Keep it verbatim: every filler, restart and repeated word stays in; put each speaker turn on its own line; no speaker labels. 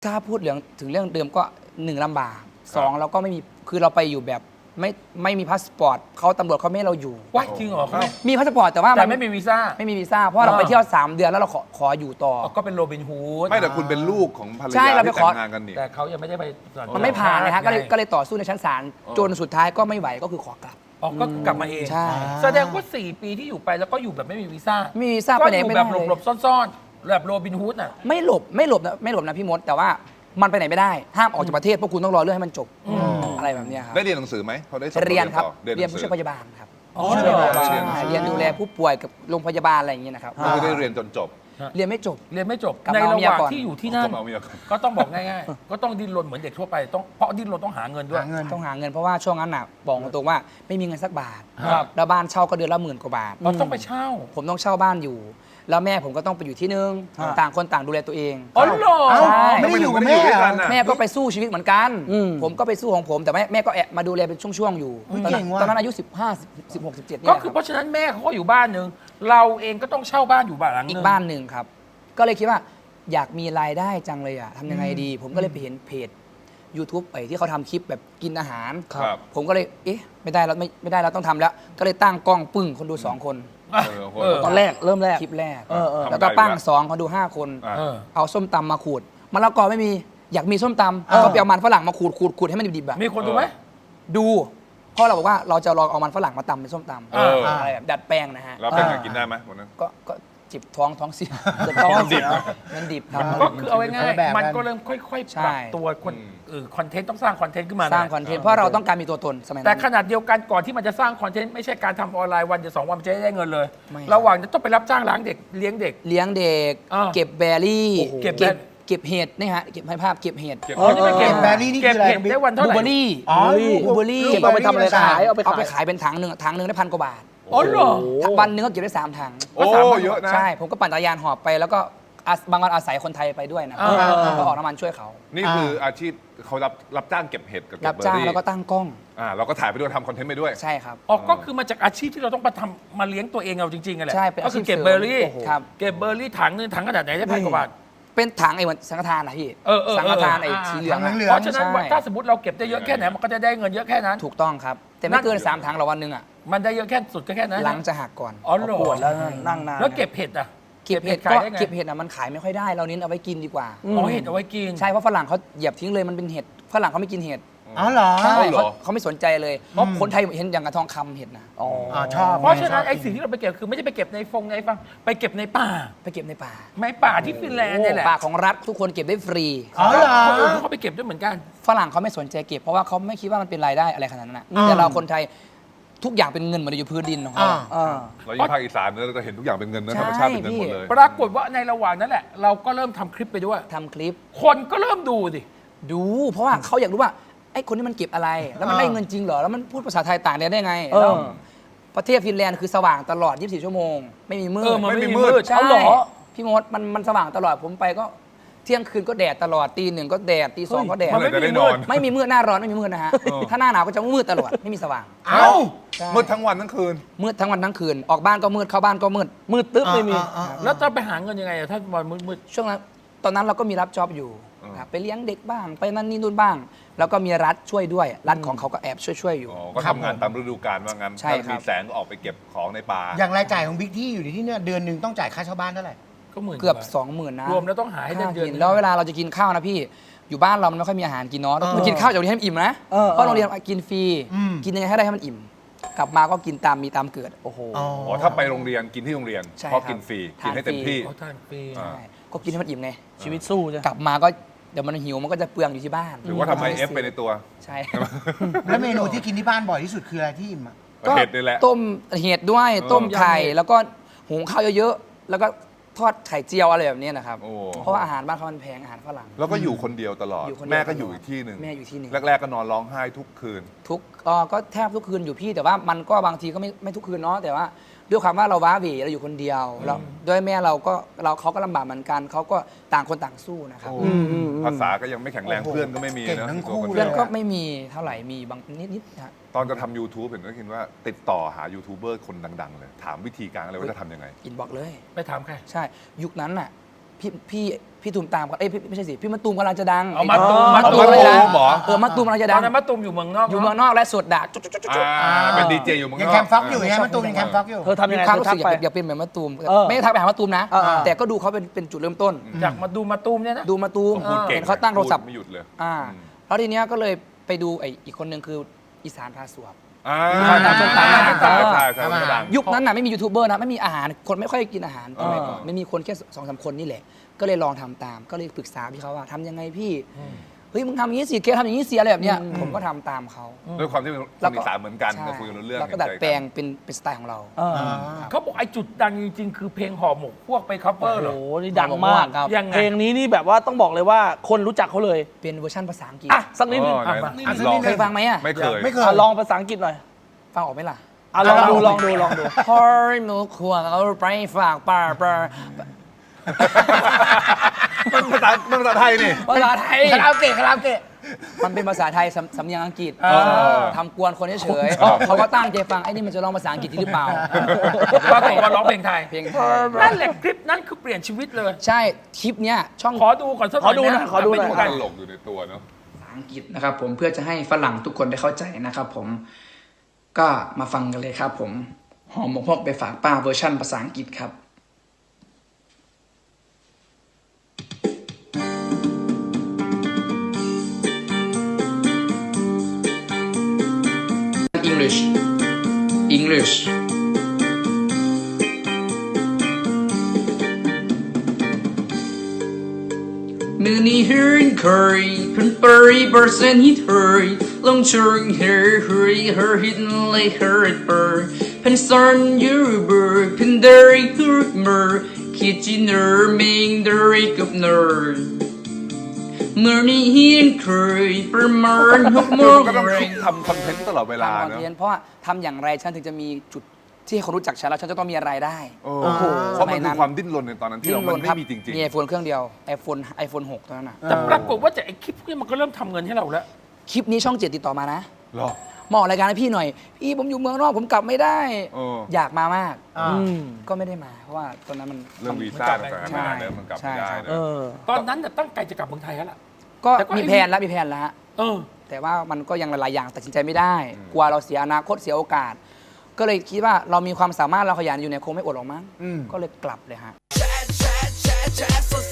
ถ้าพูดเรื่องถึงเรื่องเดิมก็หนึ่งลำบากสองเราก็ไม่มีคือเราไปอยู่แบบไม่ไม่มีพาสปอร์ตเขาตำรวจเขาไม่ให้เราอยู่
ว้ายจริงเหรอเขาไม่
มีพาสปอร์ตแต่ว่า
แต่ไม่มีวีซ่า
ไม่มีวีซ่าเพราะเราไปเที่ยวสามเดือนแล้วเราขอขออยู่ต่อ
ก็เป็นโรบินฮูด
ไม่แต่คุณเป็นลูกของภรร
ใช่
ยา
เราไป
ที่
ขอ
แต่งงานกันนี่
แต่เขายังไม่ได้ไป
มันไม่ผ่านนะฮะก็เลย
ไง
ก็เลยต่อสู้ในชั้นศาลจนสุดท้ายก็ไม่ไหวก็คือขอกลับ
อ๋อก็กลับมาเอง
ใช่
แสดงว่าสี่ปีที่อยู่ไปแล้วก็อยู่แบบไม่มีวีซ่า
ไม่มีวีซ่า
ก็
ไปไหน
อยู่
ไม่
แบ
ได้
บ
เลย
หลบๆซ่อนๆแบบโรบินฮูดน่ะ
ไม่หลบไม่หลบนะไม่หลบนะพี่มดแต่ว่ามันไปไหนไม่ได้ห้ามออกจากประเทศพวกคุณต้องรอเรื่องให้มันจบอะไรแบบเนี้ยครับ
ได้เรียนหนังสือไหมพอได้สอบ
เรียนครับ
ต่อ
เรียนผู้ช่วยพ
หนังสือย
าบาลครับ
อ๋อ
ผู้ช่วยพยาบาล
เรียน
ใช่เรียนดูแลผู้ป่วยกับโรงพยาบาลอะไรอย่างเงี้ยนะครับ
ก็คือได้เรียนจนจบ
เรียนไม่จบ
เรียนไม่จบ
กลับ
ใน
มาเอา
ระ
เมี
ห
ย
ว่าง
ก่อน
ที่อยู่ที่นั่น
ก็มาเอาเมียก่อน
ก็ต้องบอกง่ายๆ ก็ต้องดิ้นรนเหมือนเด็กทั่วไปต้องเพราะดิ้นรนต้องหาเงินด้วย
หาเงิน
ต้องหาเงินเพราะว่าช่วงนั้นน่ะบอกตรงๆว่าไม่มีเงินสักบาท
ครับ
แล้วบ้านเช่าก็เดือนละหมื่นกว่าบาท
เราต้องไปเช่า
ผมต้องเช่าบ้านอยู่ แล้วแม่ผมก็ต้องไปอยู่ที่นึง
ฮะ
ต่างคนต่างดูแลตัวเอง
อ๋อเหรอ
เอ้า
ใช่
ไม่ได้อยู่กับ
ไม่
แม่
ได้อยู่ด้วย
เหร
กั
อน
น่ะ
แม่ก็ไปสู้ชีวิตเหมือนกัน
อืม
ผมก็ไปสู้ของผมแต่แม่แม่ก็แอบมาดูแลเป็นช่วงๆอยู่
อุ๊ย
ตอนนั้น
เก่งว่ะ
ตอนนั้นอายุสิบห้า สิบหก สิบเจ็ดเนี่
ก็
ย
คือ
ค
เพ
รับ
ราะฉะนั้นแม่เขาก็อยู่บ้านหนึ่งเราเองก็ต้องเช่าบ้านอยู่บ้านหลังห
อี
นึ
ก
ง
บ้านหนึ่งครับ ก็เลยคิดว่าอยากมีรายได้จังเลยอ่ะทำยังไงดี ผมก็เลยไปเห็นเพจ YouTube ไอ้ที่เขาทำคลิปแบบกินอาหาร
ครับ
ผมก็เลยเอ๊ะไม่ได้แล้วไม่ไม่ได้แล้วต้องทำแล้ว ก็เลยตั้งกล้องปึ้งคนดูสองคน
เออโห
เออ
ตอนแรกเริ่มแรก
คลิปแรก
เออเออ
แล้วก็ปั้งสองคนดูห้าคน
อ่ะ
เออ
เอาส้มตำมาขูดมะละกอไม่มีอยากมีส้มต
เออ
ำก็ไปเอามันฝรั่งมาขูดขูดขูดให้มันดิบๆอะ
มีคนดูไหม
ดูเพราะเราบอกว่าเราจะลองเอามันฝรั่งมาตำเป็นส้มตำ
เออ
อะไรแบบดัดแปลงนะฮะ
แล้วเป็นไงกินได้ไหมวันนั้น
ก็ก็จิบท้องท้องเสียแต่ท้อง
มันดิบ
เสียมันดิบครับ
ก็คือเอาง่าย
คนละแบบ
ๆมัน
กัน
ก็เริ่มค่อยๆ
ใช่
ปรับตัวคน
อืม
เออคอนเทนต์ต้องสร้างคอนเทนต์ขึ้นมา
สร้าง
นะ
คอนเทนต์เพราะเราต้องการมีตัวตนสมัยนั้น
แต่ขนาดเดียวกันก่อนที่มันจะสร้างคอนเทนต์ไม่ใช่การทำออนไลน์วันเดียวสองวันมันจะได้เงินเลย
ไม่
ระหว่างจะต้องไปรับจ้างล้างเด็กเลี้ยงเด็ก
เลี้ยงเด็ก
อ่า
เก็บแบรี่
โอ้โหเก็บ
เก็บ
แบ
เก็บเห็ดนี่ฮะเก็บให้ภาพเก็บเห็ด
เก็บ
เออ
นี่มันเก็บ
เก็บแบรี่นี่
เก็บ
คืออะไร
เห็ดได้วันเท่า
บลู
ไห
เบอ
ร่
รี่
อ๋อบ
ลูเบอรี่
เก็บเอาไปทำอะไรขายเอาไป
เอาไป
ขาย
ขายเป็นถังหนึ่งถังหนึ่งได้พันกว่าบาท
อ๋อเหรอ
วันหนึงก็เก็บได้สามถัง
โอ้เยอะนะ
ใช่ ผมก็ปั่นจักรยานหอบไปแล้วก็อาบางวันอาศัยคนไทยไปด้วยนะ
อ่า
แล้วก็ออกน้ำมันช่วยเขา
นี่คืออาชีพเขารับรับจ้างเก็บเห็ดกับเก็
รั
บบ เบอ
จ้าง
ร์รี่
แล้วก็ตั้งกล้อง
อ่าเราก็ถ่ายไปด้วยทำคอนเทนต์ไปด้วย
ใช่ครับ
อ๋อก็คือมาจากอาชีพที่เราต้องมาทำมาเลี้ยงตัวเองเราจริงๆกันแหละ
ใช่เป็นอาชีพ
ก็คือเก็บเบอร์รี่
เสริมโอ้โหครับ
เก็บเบอร์รี่ถังหนึงถังขนาดไหนได้พันกว่าบาท
เป็นถังไอ้เหมือนสังฆทานนะพี่
เออเออ
สังฆทานไอ้
เออ
สีเหลือง
ถังเหลื
อะ
อง
เพราะฉะนั้น
ใช่
ถ้าสมมติเราเก็บได้เยอะแค่ไหนมันก็จะได้เงินเยอะแค่นั้น
ถูกต้องครับ แต่ไม่เกินสามถังหรอกวันหนึงอ่ะ
มันได้เยอะแค่สุดก็แค่นั้น
หลังจะหักก่อน
อ๋อเหรอ
ปวดแล้วนั่งนาน
แล้วเก็บเห็ดอ่ะ
เก็บเห็ด
ขาย
ก็
ได้ไง
เก็บเห็ดอ่ะมันขายไม่ค่อยได้เราเน้นเอาไว้กินดีกว่า
อ๋อเห็ดเอาไว้กิน
ใช่เพราะฝรั่งเขาเหยียบทิ้งเลยมันเป็นเห็ดฝรั่งเขาไม่กินเห็ด
อ๋อเหรอ
ใช่
เหรอ
เขาเขาไม่สนใจเลยเพราะคนไทยเห็นอย่างกระทองคำเห็ดนะ
อ๋อชอบ
เพราะฉะนั้น
ชบ
ไอ้สิ่งที่เราไปเก็บคือไม่ใช่ไปเก็บในฟงในฟังไปเก็บในป่า
ไปเก็บในป่า
ไม้ป่าที่ฟินแลนด์เนี่ยแหละ
ป่าของรัฐทุกคนเก็บได้ฟรี
อ๋อเหรอ
คนอื่นเขาก็ไปเก็บด้วยเหมือนกัน
ฝรั่งเขาไม่สนใจเก็บเพราะว่าเขาไม่คิดว่ามันเป็นรายได้อะไรขนาดนั้นนะ
อืม
แต่เราคนไทยทุกอย่างเป็นเงินหมดเลยอยู่พื้นดินของเขา
อ่า
อ่า
เรายิ่งภาคอีสานเนี่ยเราจะเห็นทุกอย่างเป็นเงินนะ
ใช่
ธรรมชาติเป็นเงินหมด
พี่
เลย
ปรากฏว่าในระหว่างนั้นแหละ เราก็เริ่มทำคลิปไปด้วย
ทำคลิป
คนก็เริ่มดูดิ
ดู เพราะว่าเขาอยากรู้ว่าไอ้คนนี้มันเก็บอะไร แล้วมัน
อ่า
ได้เงินจริงเหรอแล้วมันพูดภาษาไทยต่างแดนได้ไง
เออ
แล้วประเทศฟินแลนด์คือสว่างตลอด ยี่สิบสี่ ชั่วโมง ไม่มีมืด
เออมัน
ไม่
ไม่
มี
มี
มื
มื
ด
ด
ใช่
เอาเหรอ
พี่มดมันมันสว่างตลอดผมไปก็เที่ยงคืนก็แดดตลอดตีหนึ่งก็แดดตีสองก็แดด
เมื่อไหร่จะได้นอน
ไม่มีมืดหน้าร้อนไม่มีมืดนะฮะ
เออ
ถ้าหน้าหนาวก็จะมืดตลอดไม่มีสว่าง
เอ้า
ใช่
มืดทั้งวันทั้งคืน
มืดทั้งวันทั้งคืนออกบ้านก็มืดเข้าบ้านก็มืด
มืดตึ๊บไม่มี
แล้วจะไปหาเงินยังไงอะถ้าวันมืด
ช่วงนั้นตอนนั้นเราก็มีรับจ็อบอยู่
อืม
ครับไปเลี้ยงเด็กบ้าง ไปนั่นนี่นู่นบ้าง แล้วก็มีรัฐช่วยด้วย รัฐของเขาก็แอบช่วยช่วยๆอยู่
อ๋อก็ทำงานตามฤดูกาลว่างั้น
ใช่
ถ้า
ครับ
มีแสงก็ออกไปเก็บของในป่า
อย่างรายจ่ายของบิ๊กที่อยู่ในที่เนี่ยเดือนหนึ่งต้องจ่ายค่าเช่าบ้านเท่าไหร่
ๆก็หมื่น
เกือบ
ว่า
สองหมื่นนะ
รวมแล้วต้องหาให้ได้
ค่า
เดือน
กิน
หนึ่ง
แล้วเวลาเราจะกินข้าวนะพี่ อยู่บ้านเรามันไม่ค่อยมีอาหารกินเนาะ
เออ
ต้องกินข้าวจากโรงเรียนให้มันอิ่มนะ
เออ
เพราะโรงเรียนกินฟรี
อืม
กินยังไงให้ได้ให้มันอิ่ม กลับมาก็กินตามมีตามเกิด โอ้โห
อ๋อ
อ๋อถ้าไปโรงเรียนกินที่โรงเรียน
ใช่
เพราะ
ครับ
กินฟรี
ทาน
กินให้เต็ม
ฟรี
ที่
เขาทานฟรี
อ่า
ใช่ก็กินให้มันอิ่มไง
ชีวิตสู้จ้ะ
กลับมาก็เดี๋ยวมันหิวมันก็จะเปลืองอยู่ที่บ้าน
หรือว่าทำไอเอฟไปในตัว
ใช่
แล้วเมนูที่กินที่บ้านบ่อยที่สุดคืออะไรที่อิ่มอะ
เห็ดนี่แหละ
ต้มเห็ดด้วย
เออ
ต้มไข่แล้วก็หุงข้าวเยอะๆแล้วก็ทอดไข่เจียวอะไรแบบนี้นะครับ
โอ้
เพราะว่าอาหารบ้านเขามันแพงอาหารฝรั่ง
แล้วก็อยู่คนเดียวตลอด
อยู่คนเดียว
แม่ก็
ตลอด
อยู่อีกที่หนึ่ง
แม่อยู่ที่หนึ่ง
แรก ๆ ก็นอนร้องไห้ทุกคืน
ทุกเอ่อก็แทบทุกคืนอยู่พี่แต่ว่ามันก็บางทีก็ไม่ไม่ทุกคืนเนาะแต่ว่าด้วยความว่าเราว้าเหวเราอยู่คนเดียวแล้วด้วยแม่เราก็เราเขาก็ลำบากเหมือนกันเขาก็ต่างคนต่างสู้นะครับ
โอ้
อืมอืมอืม
ภาษาก็ยังไม่แข็งแรง
โอ้โห
เพื่อนก็ไม่มี
เก่ง
นะ
ทั้งคู่
ตัว
เพื่อน
ดียว
ก็ไม่มีเท่าไหร่มีบางนิดๆนะฮะ
ตอนจะทำ YouTube เห็นก็คิดว่าติดต่อหายูทูบเบอร์คนดัง ๆ เลย ถามวิธีการอะไรว่าจะทำยังไง
อินบอกเลย
ไปถามใคร
ใช่ยุคนั้นน่ะพี่พี่พี่ตูมตามก็เอ้ยพี่ไม่ใช่สิพี่มะตูมกำลังจะดัง
เอามะตูม
มะตูม
เอามะตูม
เลยนะ
เหรอ
เออมะตูมกำลังจะ
ต
ดั
อง นนั้นมะตูมอยู่เมืองนอก
อยู่เมืองนอกและสดด่าจุ๊จุ๊จุ๊จุ๊
อ่าเป็นดีเจอยู่เมืองน
ยั
อง ก
แคมฟ็อกอยู่ไงมะตูมยังแคมฟ็อกอยู่
เธอทำยังไง
มีความ
เธอ
รู้
ทั
สึ
ก
กอยาก
ไป
อยากเป็นเหมือนมะตูม
เออ
ไม่ได้ทักไปหามะตูมนะ
เออเออ
แต่ก็ดูเขาเป็นเป็นจุดเริ่มต้น
จากมาดูมะตูมเนี่ยนะ
ดูมะตูม
พูดเก่ง
เห็นเขาตั้งโทรศัพท์
พูดไม่หยุดเลย
อ่า
อืม
แล้วทีเนี้ยก็เลยไปดูไอ้อีกคนหนึ่งคืออีสานพาสวบ
อ่า
อ่าตามส้มตำ
ใช่ใช่ใช่ใช่
ทำอาหาร
ดัง
ยุคนั้นน่ะไม่มียูทูบเบอร์นะไม่มีอาหารคนไม่ค่อยกินอาหารสมัยก่อน
เออ
ไม่มีคนแค่สองสามคนนี่แหละ ก็เลยลองทำตาม ก็เลยปรึกษาพี่เขาว่าทำยังไงพี่เฮ้ยมึงทำอย่างนี้สิเกทำอย่างนี้สิอะไรแบบเนี้ยผมก็ทำตามเขา
ด้วยความที่เป็นคนอีสานเหมือนกัน
ใช่
ก็คุยกันรู้เรื่อง
แล้วก็ดัดแปลงเป็นเป็นสไตล์ของเรา
เออ
เขาบอกไอ้จุดดังจริงๆ คือเพลงห่อหมกพวกไปคัฟเวอ
โอ้
ร์เหรอ
โหนี่ดังมาก
ครับ
ยังไง
เพลงนี้นี่แบบว่าต้องบอกเลยว่าคนรู้จักเขาเลย
เป็นเวอร์ชันภาษาอังกฤษ
อ่ะสักนิดนึง
อ๋อ
อ่ะ
ไหน
สักนิด
อ่ะ
นึง
ลอง
เคยฟังไหมอ่ะ
ไม่เคย
ไม่เคย
อ่ะลองภาษาอังกฤษหน่อย
ฟังออกไหมล่ะ
อ่ะลองดูลองดูลองดู
พอหนูควงเอาไปฝากป้าป้า
มันภาษามันภาษาไทยนี่
ภาษาไทย
คาราโอเกะคาราโอเกะ
มันเป็นภาษาไทยสำสำเนียงอังกฤษ
เออ
ทำกวนคนเฉย
ชอบ
ๆเขาก็ตั้งใจฟังไอ้นี่มันจะร้องภาษาอังกฤษหรือเปล่า
ปรากฏว่าร้องเพลงไทย
เพลงไทย
นั่นแหละคลิปนั้นคือเปลี่ยนชีวิตเลย
ใช่คลิปเนี้ยช่อง
ขอดูก่อนสักหน่อย
ขอดูหน่อยขอดูหน่อย
ไป
ต
กัน
ลกอยู่ในตัวเนาะ
ภาษาอังกฤษนะครับผมเพื่อจะให้ฝรั่งทุกคนได้เข้าใจนะครับผมก็มาฟังกันเลยครับผมหอมหมกฮอกไปฝากป้าเวอร์ชั่นภาษาอังกฤษครับ English English มือนี้เฮิร์นเคยเพิ่นเปรย์เปอร์เซ็นต์ฮิตเฮยลงเชิงเฮร์เฮยเฮร์ฮิตเลยเฮร์เปอร์เพิ่นซันยูเบอร์เพิ่นเดริฮุร์เมอร์คิดจีเนอร์มิงเดริกับเนอร์มือนี้เฮิร์นเคยประมาณหกโมง
ก็ต้อง
เร
ทำคอนเทนต์ตลอดเวลา
ทำคอน
เนาะ
เทนต์เพราะว่าทำอย่างไรฉันถึงจะมีจุดที่ให้คนรู้จักฉันแล้วฉันจะต้องมีรายได้
โอ้
โอ้โห
เพราะมัน
สมัยนั้
คือน ความดิ้นรนในตอนนั้นที่เรามันไม่มีจริง
มีไอโฟนเครื่องเดียว iPhone iPhone หกตอนนั้นน่ะ
แต่ปรากฏว่าจากไอ้คลิปพวกนี้มันก็เริ่มทำเงินให้เราแล้ว
คลิปนี้ช่องเจ็ดติดต่อมานะ
ๆหรอ
มาออกรายการให้พี่หน่อย พี่ผมอยู่เมืองนอกผมกลับไม่ได้
เออ
อยากมามาก
อ่า
อืม
ก็ไม่ได้มา เพราะว่าตอนนั้นมัน
เรื่องวีซ่าต่างๆนานาเนี่ยมันกลับไม่ได้
ใช่
เน
เอ
อะ
อ
ตอนนั้นน่ะตั้งใจจะกลับเมืองไทยแล้วล่ะ
ก็
แต่ก็
มีแผนแล้วมีแผนแล้วฮะ
เออ
แต่ว่ามันก็ยังหลายๆอย่างตัดสินใจไม่ได้ กลัวเราเสียอนาคตเสียโอกาส ก็เลยคิดว่าเรามีความสามารถเราขยันอยู่เนี่ยคงไม่อดหรอกมั้ง
อืม
ก็เลยกลับเลยฮะ
chat, chat, chat, chat, so